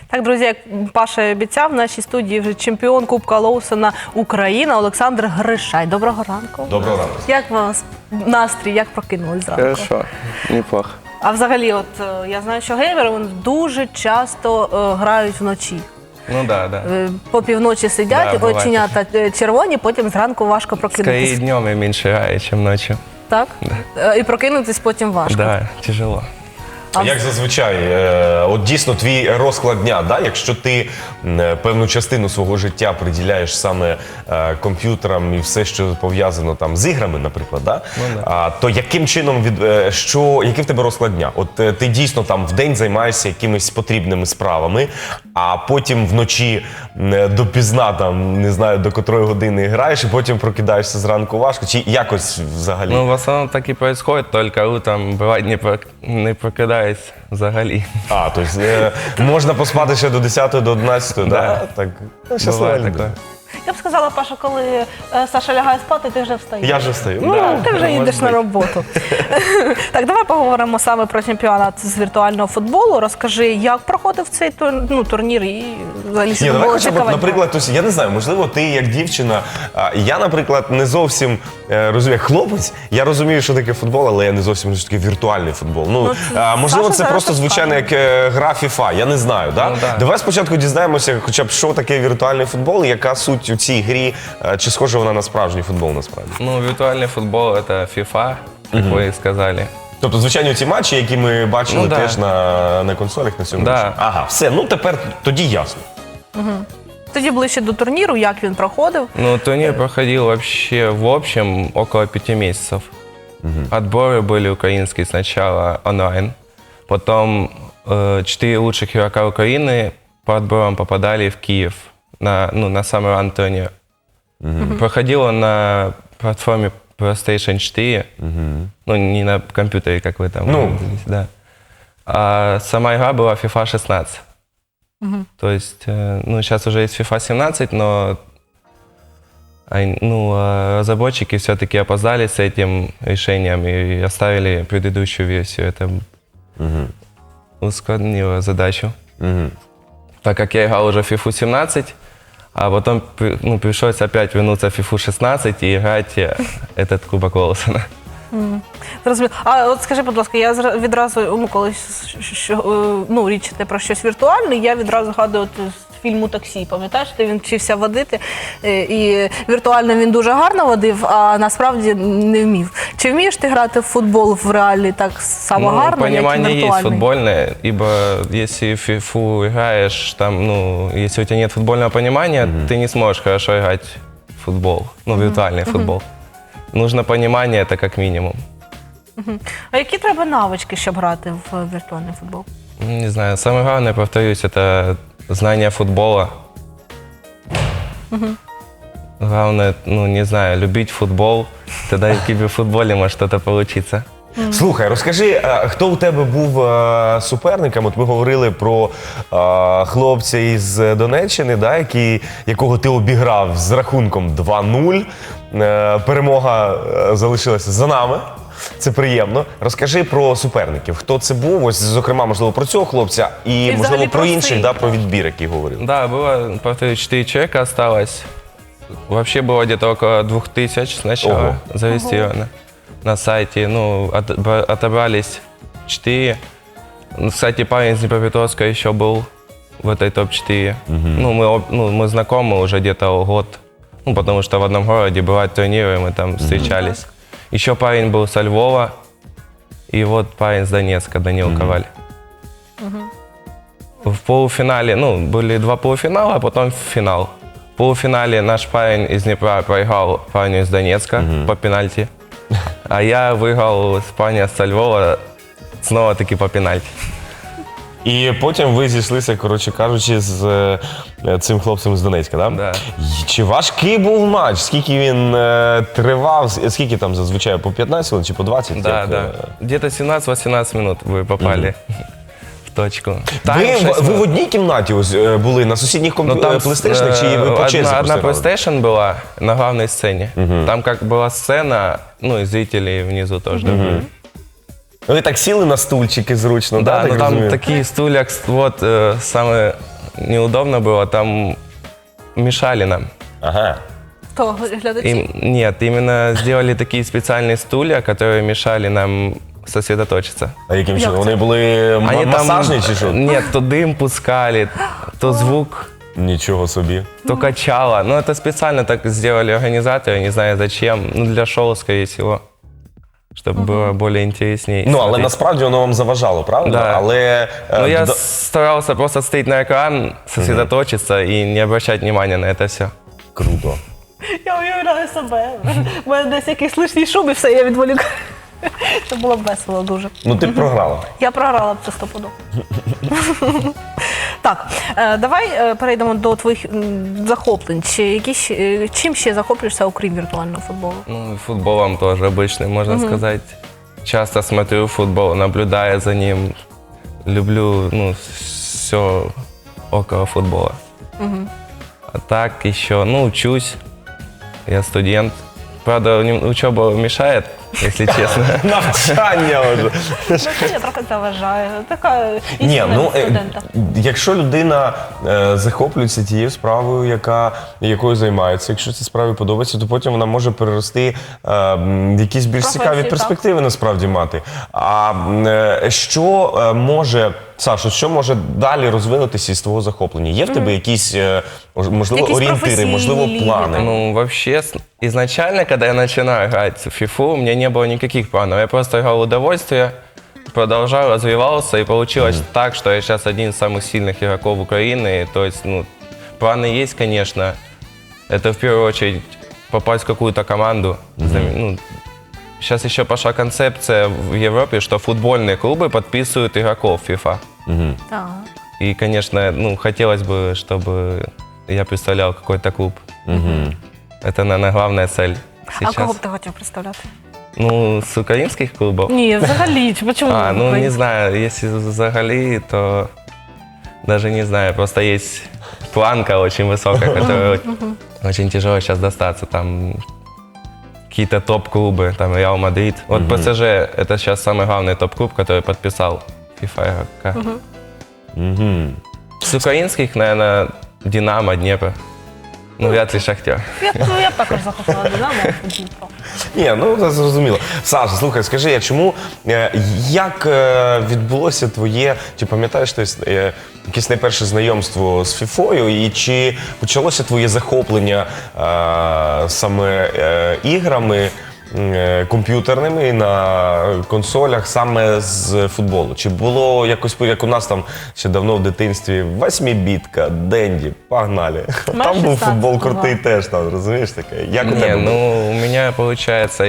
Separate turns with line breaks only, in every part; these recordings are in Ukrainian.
Так, друзі, як Паша і обіцяв, в нашій студії вже чемпіон Кубка Лоусона Україна Олександр Гришай. Доброго ранку.
Доброго ранку.
Як у вас настрій, як прокинулись зранку?
Хорошо, неплохо.
А взагалі, от я знаю, що геймери вони дуже часто грають вночі.
Ну да.
По півночі сидять,
Да,
оченята червоні, потім зранку важко
Скорее
прокинутися.
днем я меньше играю, чем ночью.
Так? І прокинутись потім важко.
Да, тяжело.
А
Як зазвичай, от дійсно твій розклад дня, да? Якщо ти певну частину свого життя приділяєш саме комп'ютерам і все, що пов'язано там з іграми, наприклад, да? То яким чином, який в тебе розклад дня? От ти дійсно там в день займаєшся якимись потрібними справами, а потім вночі допізна, там, не знаю, до котрої години граєш, і потім прокидаєшся зранку важко, чи якось взагалі?
Ну, в основном так и происходит, только утром бывает не прокидаюсь взагалі.
То есть можна поспати ще до 10, до 11, да? Так, щаслива
Бывает
людина.
такое.
Я б сказала, Паша, коли Саша лягає спати, ти вже встаєш.
Я вже встаю.
Ну,
Да,
ти вже
може
їдеш на
бути.
роботу. Так, давай поговоримо саме про чемпіонат з віртуального футболу. Розкажи, як проходив цей турнір і взагалі
Ні, давай
було
хоча б,
цікавенько.
наприклад, ось, я не знаю, можливо, ти як дівчина, я, наприклад, не зовсім розумію, як хлопець, я розумію, що таке футбол, але я не зовсім розумію, що таке віртуальний футбол.
Ну,
Можливо,
Саша
це
зараз
просто звичайно як гра FIFA, я не знаю. Да?
Ну, да.
Давай спочатку дізнаємося, хоча б, що таке віртуальний футбол, і яка суть у цій грі, чи схожа вона на справжній футбол насправді.
Ну, виртуальный футбол — это FIFA, как вы и сказали.
Тобто, звичайно, ті матчі, які ми бачили
Ну, да.
теж на консолях на цьому.
Да.
матчі. Ага, все, ну тепер тоді ясно.
Тоді ближче до турніру, як він проходив.
Ну, турнир проходил вообще в общем около 5 месяцев. Отборы были украинские сначала онлайн, потом 4 лучших игрока Украины по отборам попадали в Киев на самый ран турнир. Проходил он на платформе PlayStation 4, ну не на компьютере, как вы там.
Ну.
говорите, да. А сама игра была FIFA 16. То есть, ну, сейчас уже есть FIFA 17, но разработчики все-таки опоздали с этим решением и оставили предыдущую версию. Это ускорило задачу. Так как я играл уже в FIFA 17, а потом пришлось опять вернуться в FIFA 16 и играть этот Кубок Лоусона.
Зрозуміло. А от скажи, будь ласка, я відразу, коли річ йде про щось віртуальне, я відразу згадую з фільму «Таксі». Пам'ятаєш, він вчився водити, і віртуально він дуже гарно водив, а насправді не вмів. Чи вмієш ти грати в футбол в реалі так само гарно, як і
Понимание есть
віртуальний?
футбольное, ибо если в FIFA играешь, там, если у тебя нет футбольного понимания, ты не сможешь хорошо играть в футбол, виртуальный футбол. Нужно понимание, это как минимум.
А які треба навички, щоб грати в віртуальний футбол?
Не знаю, самое главное, повторюсь, это знание футбола. Главное, не знаю, любить футбол, тогда и в киберфутболе может что-то получиться.
Слухай, розкажи, хто у тебе був суперником? От ми говорили про хлопця із Донеччини, да, якого ти обіграв з рахунком 2-0. Перемога залишилася за нами. Це приємно. Розкажи про суперників. Хто це був? Ось, зокрема, можливо, про цього хлопця і, можливо,
взагалі
про
про
інших,
цей.
да, про відбір, який говорили.
Да, было, повторюсь, 4 человека осталось. Вообще было где-то около 2000 сначала
Ого.
зарегистрировано на сайте. Отобрались 4. Кстати, парень из Днепропетровска еще был в этой топ-4. Мы знакомы уже где-то год. Потому что в одном городе бывают турниры, мы там встречались. Еще парень был со Львова. И вот парень с Донецка, Данил Коваль. В полуфинале, были 2 полуфинала, а потом финал. В полуфинале наш парень из Днепра проиграл парню из Донецка по пенальти. А я выиграл с парня со Львова снова-таки по пенальти.
І потім ви зійшлися, коротше кажучи, з цим хлопцем з Донецька, так?
Да.
Чи важкий був матч? Скільки він тривав? Скільки там зазвичай? По 15 хвилин чи по 20?
Да,
Як,
да. Где-то 17-18 минут вы попали в точку.
Ви в одній кімнаті ось були на сусідніх PlayStation, чи ви по черзі
одна
просто грали?
PlayStation была на главной сцене. Там как была сцена, и зрители внизу тоже.
Ви так сіли на стульчики зручно,
Да,
так
там
розумію?
такие стулья, вот самые неудобно было, там мешали нам.
Ага.
То глядачі.
Нет, именно сделали такие специальные стулья, которые мешали нам сосредоточиться.
А яким
Як
чином?
це?
Вони були
Они
масажні чи що?
Нет, то дым пускали, то звук,
Нічого собі.
то качало. Ну, это специально так сделали организаторы, не знаю зачем. Ну, для шоу, скорее всего. Чтобы было более интереснее.
Ну, але
смотреть.
насправді воно вам заважало, правда?
Да.
Але
Ну, я
до-
старался просто стоять на экран, сосредоточиться и не обращать внимания на это все.
круто.
Я уявляю себе. У мене десь якийсь лишній шум і все, я відволікаю. Це було б весело дуже.
Ну ти б програла.
Я програла б це стопудово. Так, давай перейдемо до твоїх захоплень. Чим ще захоплюєшся, окрім віртуального футболу?
Ну, и футболом тоже обычный, можно сказать. Часто смотрю футбол, наблюдая за ним. Люблю, ну, все около футбола. А так еще, ну, учусь. Я студент. Правда, учеба мешает, если честно.
Навчання вже.
Я трохи заважаю. Така
Ні,
істина
ну
студента.
якщо людина захоплюється тією справою, якою займається, якщо цій справі подобається, то потім вона може перерости в якісь більш
Професію,
цікаві
так.
перспективи насправді мати. А що може, Сашо, що може далі розвинутися із твого захоплення? Є в тебе якісь, можливо,
Якісь
орієнтири,
професійні
можливо,
ліги,
плани?
там?
Ну, вообще, изначально, когда я начинал играть в фифу, у меня не было никаких планов. Я просто играл в удовольствие, продолжал, развивался, и получилось так, что я сейчас один из самых сильных игроков Украины. То есть, ну, планы есть, конечно. Это в первую очередь попасть в какую-то команду. Ну, сейчас еще пошла концепция в Европе, что футбольные клубы подписывают игроков FIFA.
Так.
И, конечно, ну, хотелось бы, чтобы я представлял какой-то клуб. Это, наверное, главная цель
А
сейчас.
кого б ти хотів представляти?
Ну, с украинских клубов?
Ні, взагалі, чому?
Ну, не знаю, если взагалі, то даже не знаю, просто есть планка очень высокая, которую очень тяжело сейчас достаться. Там какие-то топ-клубы, там Реал Мадрид. Вот ПСЖ – это сейчас самый главный топ-клуб, который подписал FIFA игрока. С украинских, наверное, Динамо, Днепр. Ну, вряд ли Шахтер.
Я б також захопила Динамо у Дніпро.
Ні, ну це зрозуміло. Саша, слухай, скажи, а чому, як відбулося твоє, чи пам'ятаєш ти якесь найперше знайомство з Фіфою, і чи почалося твоє захоплення саме іграми комп'ютерними на консолях саме з футболу? Чи було якось, як у нас там ще давно в дитинстві, восьмібітка, Денді, погнали. Там був
16,
футбол крутий
ага.
теж, там, розумієш таке? Як у
Не,
тебе було?
ну, у меня, получается,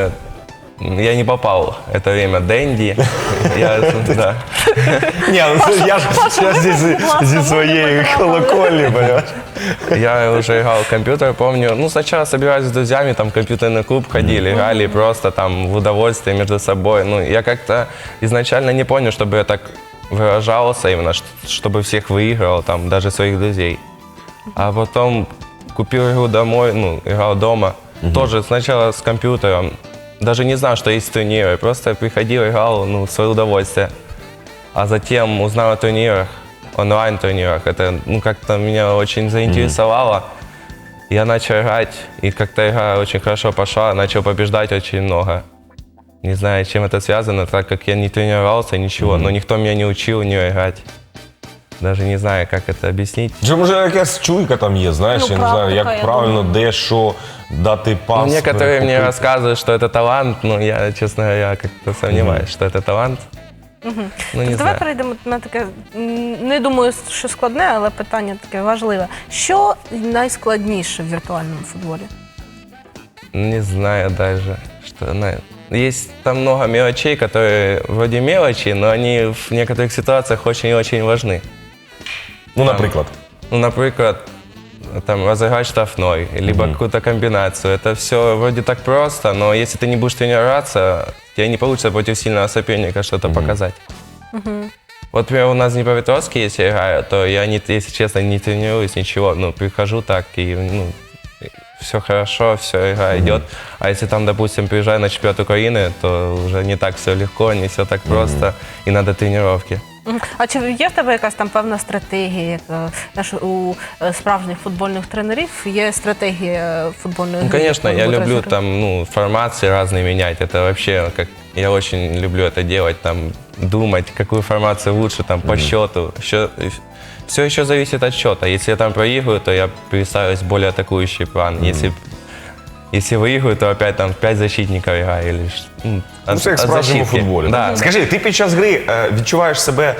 я не попал в это время Дэнди. Да.
Ні, ну це я ж зі своєї колокольні, понимаєш?
Я уже играл в компьютер, помню. Ну, сначала собирались с друзьями, там, в компьютерный клуб ходили, играли просто там в удовольствие между собой. Ну, я как-то изначально не понял, чтобы я так выражался именно, чтобы всех выигрывал, там, даже своих друзей. А потом купил игру домой, ну, играл дома. Тоже сначала с компьютером. Даже не знал, что есть турниры. Просто приходил, играл, ну, в свое удовольствие. А затем узнал о турнирах, онлайн-турнирах. Это, ну, как-то меня очень заинтересовало. Я начал играть, и как-то игра очень хорошо пошла, начал побеждать очень много. Не знаю, с чем это связано, так как я не тренировался, ничего, но никто меня не учил в нее играть. Даже не знаю, как это объяснить.
Чи може якась чуйка там є, знаєш,
Ну,
я не знаю,
практика,
як
я
правильно,
думаю.
де, що, дати пас.
Ну, некоторые мне
перехопити.
рассказывают, что это талант, но я, честно говоря, как-то сомневаюсь, что это талант. Ну, не
Давай
знаю.
перейдемо на таке, не думаю, що складне, але питання таке важливе. Що найскладніше в віртуальному футболі?
Не знаю даже, что... Есть там много мелочей, которые вроде мелочи, но они в некоторых ситуациях очень-очень важны.
Ну, наприклад.
Ну, например, там, разыграть штрафной, либо какую-то комбинацию. Это все вроде так просто, но если ты не будешь тренироваться, тебе не получится против сильного соперника что-то показать. Вот, например, у нас в Днепропетровске, если я играю, то я, если честно, не тренируюсь, ничего. Ну, прихожу так и, ну, все хорошо, все, игра идет. А если там, допустим, приезжаю на чемпионат Украины, то уже не так все легко, не все так просто, и надо тренировки.
А чи є в тебе якась там певна стратегія, як знаєш, у справжніх футбольних тренерів є стратегія футбольної
Ну,
гри?
конечно, я
яку
люблю
тренери?
там, формации разные менять. Это вообще, как я очень люблю это делать, там, думать, какую формацию лучше, там, по счету. Все еще зависит от счета. Если я там проигрываю, то я перестраиваюсь в более атакующий план. Если выиграю, то опять там 5 защитников играю. Или,
Це як в справжньому
защитки.
футболі.
Да.
Скажи, ти під час гри відчуваєш себе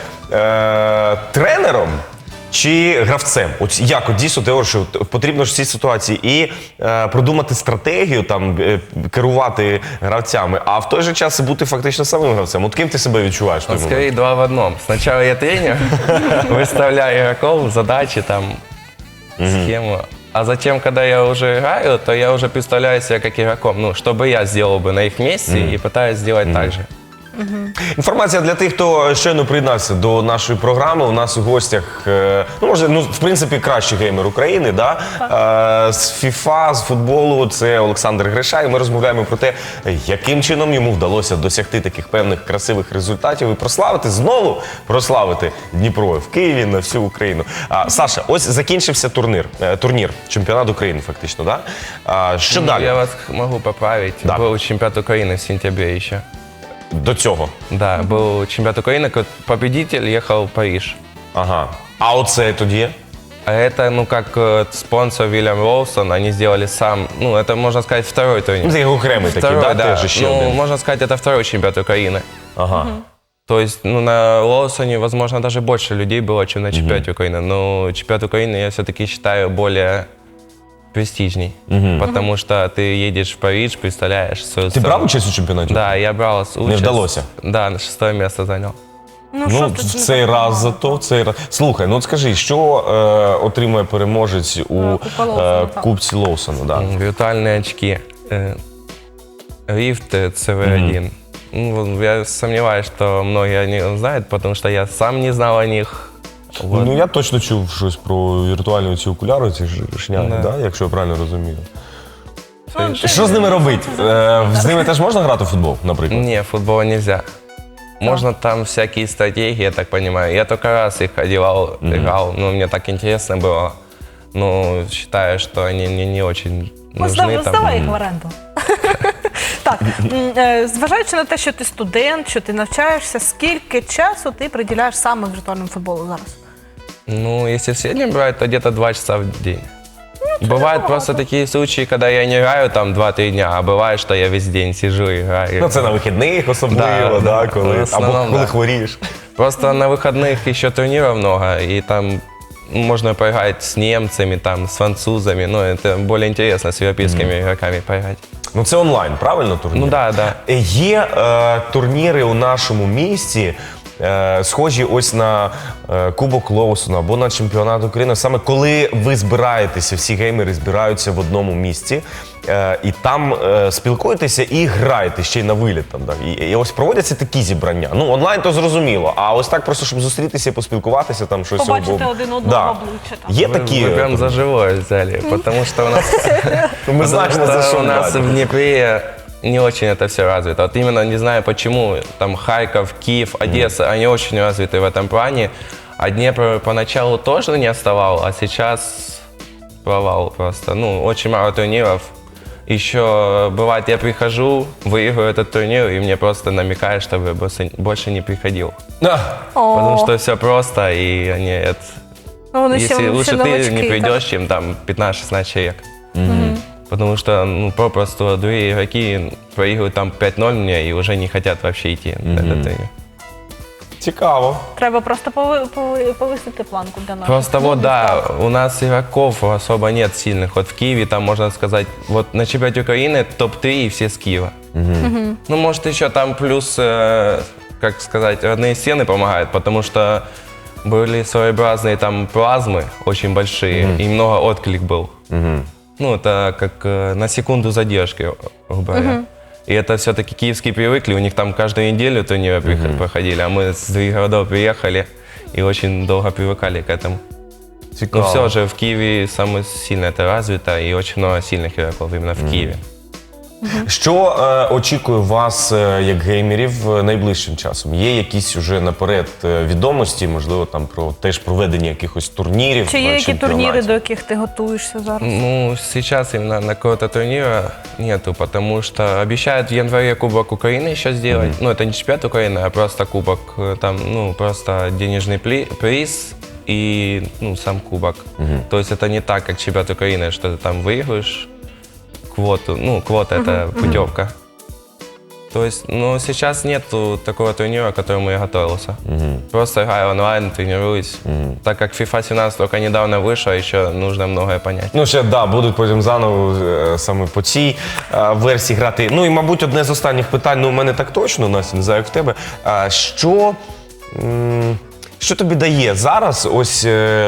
тренером чи гравцем? От як дійсно ти говориш, що потрібно ж в цій ситуації і продумати стратегію, там, керувати гравцями, а в той же час і бути фактично самим гравцем. От ким ти себе відчуваєш в той момент?
Скорее 2 в 1. Сначала я тренер, выставляю игроков, задачи, там, схему. А затем, когда я уже играю, то я уже представляю себя как игроком. Ну, что бы я сделал бы на их месте и пытаюсь сделать так же.
Інформація для тих, хто щойно приєднався до нашої програми. У нас у гостях, в принципі, кращий геймер України, да? З FIFA, з футболу, це Олександр Гриша. І ми розмовляємо про те, яким чином йому вдалося досягти таких певних красивих результатів і знову прославити Дніпро в Києві на всю Україну. Саша, ось закінчився турнір, чемпіонат України фактично, да? Що далі?
Я вас могу поправить.
Да.
Был чемпионат Украины в сентябре еще.
До цього?
Да, был чемпионат Украины, победитель ехал в Париж.
Ага. А оце тоді?
А это, как спонсор Вильям Роусон, они сделали сам, это, можно сказать, второй турнир.
Це окремий такий,
Второй,
да? Теж ще один.
можно сказать, это второй чемпионат Украины.
Ага.
То есть, на Лоусоне, возможно, даже больше людей было, чем на чемпионате Украины. Но чемпионат Украины я все-таки считаю более престижней. Потому что ты едешь в Париж, представляешь свою
Ти
страну.
брав участь у чемпіонаті?
Да, я брал участь.
Не вдалося?
Да, на 6 место занял.
Ну, цей раз зато, цей раз. Слухай, от скажи, що отримує переможець у
Кубка Лоусона, так.
Кубці Лоусона? Да.
Виртуальные очки. Rift CV1. Я сомневаюсь, что многие о них знают, потому что я сам не знал о них. Вот.
Ну, я точно чув щось про віртуальні ці окуляри, ці шняги,
Да.
да? Якщо я правильно розумію. Що з ними робити? З ними теж можна грати в футбол, наприклад?
Не, футбола нельзя. Можно там всякие стратегии, я так понимаю. Я только раз их одевал, играл, мне так интересно было. Но считаю, что они мне не очень нужны.
Здавай їх в оренду. Так, зважаючи на те, що ти студент, що ти навчаєшся, скільки часу ти приділяєш саме віртуальному футболу зараз?
Если в среднем брать, то где-то 2 часа в день. Бывают просто такие случаи, когда я не играю там 2-3 дня, а бывает, что я весь день сижу и играю.
Ну, це на вихідних особливо,
Да,
коли,
в основному,
або коли
да.
хворієш.
Просто на выходных еще турниров много, и там можно поиграть с немцами, там, с французами. Это более интересно с европейскими игроками поиграть.
Ну, це онлайн, правильно, турнір?
Ну да.
Є турніри у нашому місті, схожі ось на Кубок Лоусона або на чемпіонат України, саме коли ви збираєтеся, всі геймери збираються в одному місці, і там спілкуєтеся і граєте ще й на виліт. Там, да. І ось проводяться такі зібрання. Ну, онлайн то зрозуміло, а ось так просто, щоб зустрітися і поспілкуватися, там щось...
Побачити один одного обличчя, там.
Є такі...
Вы прям за живое взяли, потому что у нас...
Ми знаємо, за що
у нас
брати.
в Днепре не очень это все развито. Вот именно не знаю почему, там Харьков, Киев, Одесса, они очень развиты в этом плане. А Днепр поначалу тоже не отставал, а сейчас провал просто. Очень мало турниров. Еще бывает, я прихожу, выиграю этот турнир, и мне просто намекают, чтобы я больше не приходил. Потому что все просто, и они... Если лучше ты не придешь, чем там 15-16 человек. Потому что попросту другие игроки проигрывают там 5-0 мне и уже не хотят вообще идти на этот турнир.
Цікаво.
Треба просто повисити планку для нас.
Просто у нас игроков особо нет сильных. Вот в Киеве там, можно сказать, вот на чемпионате Украины топ-3 и все с Киева. Может еще там плюс, как сказать, родные стены помогают, потому что были своеобразные там плазмы очень большие, и много отклик был. Это как на секунду задержки, грубо говоря. И это все-таки киевские привыкли, у них там каждую неделю турниры проходили, а мы с других городов приехали и очень долго привыкали к этому.
Цікаво.
Но все же в Киеве самое сильное это развито, и очень много сильных игроков именно в Киеве.
Що очікує вас як геймерів найближчим часом? Є якісь уже наперед відомості, можливо, там про теж проведення якихось турнірів?
Чи є які
чемпіонатів?
турніри, до яких ти готуєшся зараз?
Ну, сейчас именно на какого-то турнира нету, потому что обещают в январе Кубок Украины еще сделать. Ну, это не чемпионат Украины, а просто кубок. Там, ну, просто денежный приз и, ну, сам кубок. То есть это не так, как чемпионат Украины, что ты там выиграешь квоту. Ну, квота это путевка. То есть, ну, сейчас нету такого турнира, к которому я готовился. Просто играю онлайн, тренируюсь. Так как FIFA 17 только недавно вышла, еще нужно многое понять.
Ну, ще, да, будуть потім заново саме по цій версії грати. Ну, і, мабуть, одне з останніх питань, ну, у мене так точно, Настя, не знаю, як в тебе. Що тобі дає зараз ось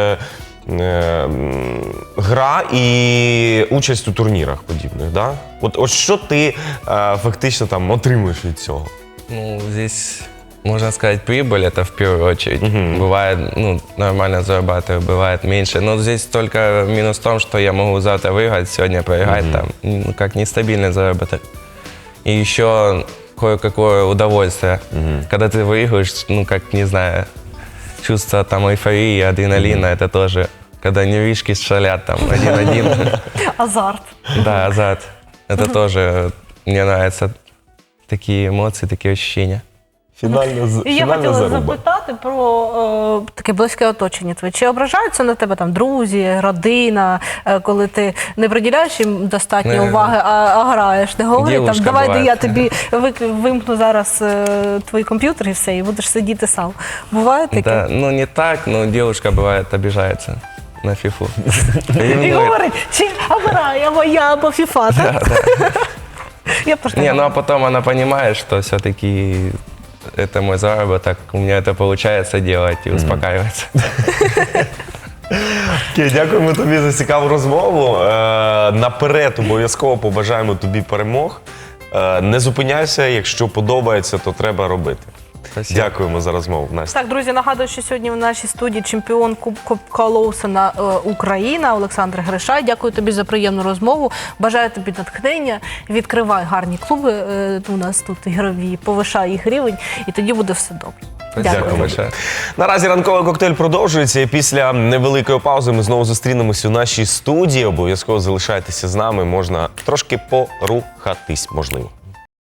гра і участь у турнірах подібних, да? От що ти фактично там отримуєш від цього?
Ну, здесь, можно сказать, прибыль это в первую очередь. Бывает, ну, нормально зарабатываю, бывает меньше. Но здесь только минус в том, что я могу завтра выиграть, сегодня проиграть, там, ну, как нестабильный заработок. И еще кое-какое удовольствие. Когда ты выигрываешь, ну, как, не знаю, чувство там эйфории, адреналина, это тоже, когда нервишки шалят там 1-1.
Азарт.
Да, азарт. Это тоже, мне нравятся такие эмоции, такие ощущения.
І я хотіла запитати про таке близьке оточення твоє. Чи ображаються на тебе там друзі, родина, коли ти не приділяєш їм достатньо уваги, а граєш? Не говорять там,
Дівушка
давай
буває.
я тобі вимкну зараз твій комп'ютер і все, і будеш сидіти сам. Буває таке?
Да, ну не так, но девушка бывает обижается на фифу.
І говорить, чи гра, я моя, або фіфа, так? Я просто
Не, ну а потом она понимает, что все-таки это мой заработок, у меня это получается делать и успокаивается.
Окей, дякуємо тобі за цікаву розмову. Наперед обов'язково побажаємо тобі перемог. Не зупиняйся, якщо подобається, то треба робити.
Спасибо.
Дякуємо за розмову, Настя.
Так, друзі, нагадую, що сьогодні в нашій студії чемпіон Кубка Лоусона Україна Олександр Гришай. Дякую тобі за приємну розмову. Бажаю тобі натхнення. Відкривай гарні клуби у нас тут ігрові, повишай їх рівень, і тоді буде все добре.
Дякую большое.
Наразі ранковий коктейль продовжується. І після невеликої паузи ми знову зустрінемося у нашій студії. Обов'язково залишайтеся з нами. Можна трошки порухатись, можливо.